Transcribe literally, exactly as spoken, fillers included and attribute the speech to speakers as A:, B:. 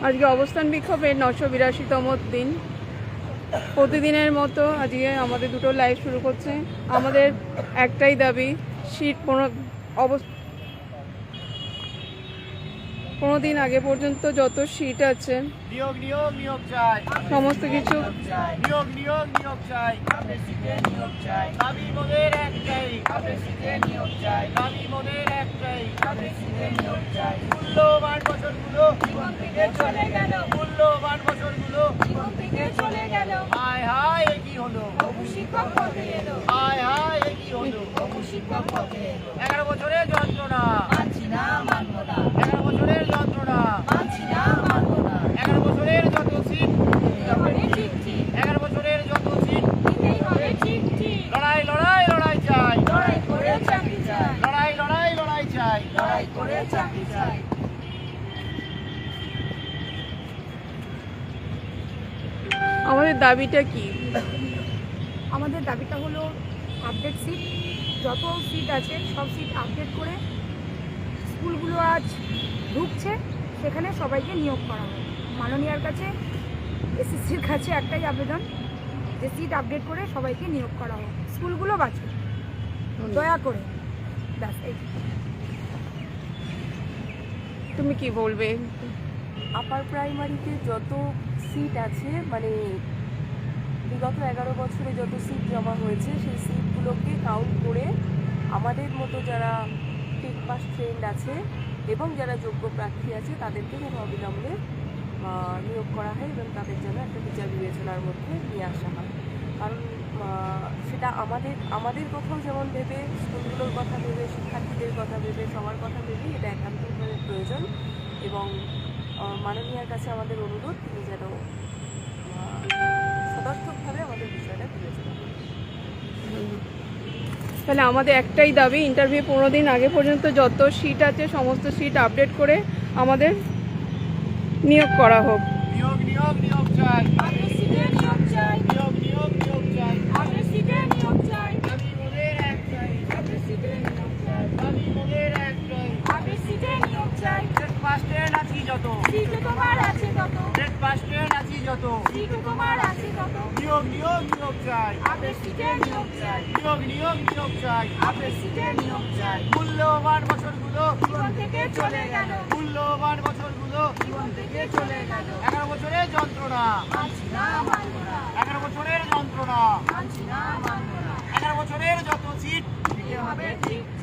A: আজকে অবস্থান বিক্ষোভের নশো বিরাশিতম দিন। প্রতিদিনের মতো আজকে আমাদের দুটো লাইভ শুরু করছে। আমাদের একটাই দাবি, সিট পনেরো অবস্থা পনেরো দিন আগে পর্যন্ত যত সিট আছে
B: নিয়োগ নিয়োগ নিয়োগ চাই,
A: সমস্ত কিছু
B: নিয়োগ নিয়োগ নিয়োগ চাই, নিয়োগ চাই, দাবি মোদের একটাই, নিয়োগ চাই, দাবি মোদের একটাই, নিয়োগ চাই। মূল্যবান বছরগুলো জীবন থেকে চলে গেল, মূল্যবান বছরগুলো জীবন থেকে চলে গেল। হায় হায় এ কি হলো, শিক্ষক পদে এলো, হায় হায় এ কি হলো, শিক্ষক পদে এলো। এগারো বছরের যন্ত্রণা মানছি না, মানবো না, এগারো বছরের যন্ত্রণা মানছি না, মানবো না, এগারো বছরের যত সিট ঠিক ঠিক, এগারো বছরের যত সিট হবে ঠিক ঠিক। লড়াই লড়াই লড়াই চাই, লড়াই করে চাকরি চাই, লড়াই লড়াই লড়াই চাই, লড়াই করে চাকরি চাই।
A: আমাদের দাবিটা কি?
C: আমাদের দাবিটা হলো আপডেট সিট, যত সিট আছে সব সিট আপডেট করে স্কুলগুলো আজ ঢুকছে সেখানে সবাইকে নিয়োগ করা হবে। মাননীয়ার কাছে, এসএসসির কাছে একটাই আবেদন যে সিট আপডেট করে সবাইকে নিয়োগ করা হোক, স্কুলগুলো বাঁচুক দয়া করে। ব্যাস এই।
A: তুমি কি বলবে?
D: আপার প্রাইমারিতে যত সিট আছে, মানে বিগত এগারো বছরে যত সিট জমা হয়েছে সেই সিটগুলোকে কাউন্ট করে আমাদের মতো যারা টেক পাস ট্রেন্ড আছে এবং যারা যোগ্য প্রার্থী আছে তাদেরকে যেন অবিলম্বে নিয়োগ করা হয় এবং তাদের যেন একটা বিচার বিবেচনার মধ্যে নিয়ে আসা হয়। কারণ সেটা আমাদের আমাদের কথাও যেমন ভেবে, স্কুলগুলোর কথা ভেবে, শিক্ষার্থীদের কথা ভেবে, সবার কথা ভেবেই এটা একান্তভাবে প্রয়োজন। এবং মাননীয়ার কাছে আমাদের অনুরোধ, তিনি যেন সদর্থকভাবে আমাদের বিষয়টা বিবেচনা করেন।
A: তাহলে আমাদের একটাই দাবি, ইন্টারভিউ পনেরো দিন আগে পর্যন্ত যত সিট আছে সমস্ত সিট আপডেট করে আমাদের নিয়োগ করা হোক।
B: নিয়োগ নিয়োগ নিয়োগ চাই,
C: নিয়োগ চাই,
B: নিয়োগ নিয়োগ নিয়োগ চাই,
C: নিয়োগ চাই,
B: দাবি মোদের একটাই,
C: নিয়োগ চাই,
B: দাবি মোদের একটাই।
C: নিয়োগ চাই।
B: টেট পাস ট্রেন্ড আছি যত,
C: তোমার আছে তত,
B: টেট পাস ট্রেন্ড আছি যত,
C: তোমার আছে তত,
B: নিয়োগ নিয়োগ নিয়োগ চাই,
C: নিয়োগ চাই,
B: নিয়োগ নিয়োগ নিয়োগ চাই,
C: নিয়োগ চাই।
B: মূল্যবান বছরগুলো
C: জীবন থেকে চলে গেল,
B: মূল্যবান বছরগুলো
C: জীবন থেকে চলে গেল।
B: এগারো বছরের যন্ত্রণা
C: মানছি না, মানবো না,
B: এগারো বছরের যন্ত্রণা
C: মানছি না, মানবো না,
B: এগারো বছরের যত সিট
C: দিতে হবে ঠিক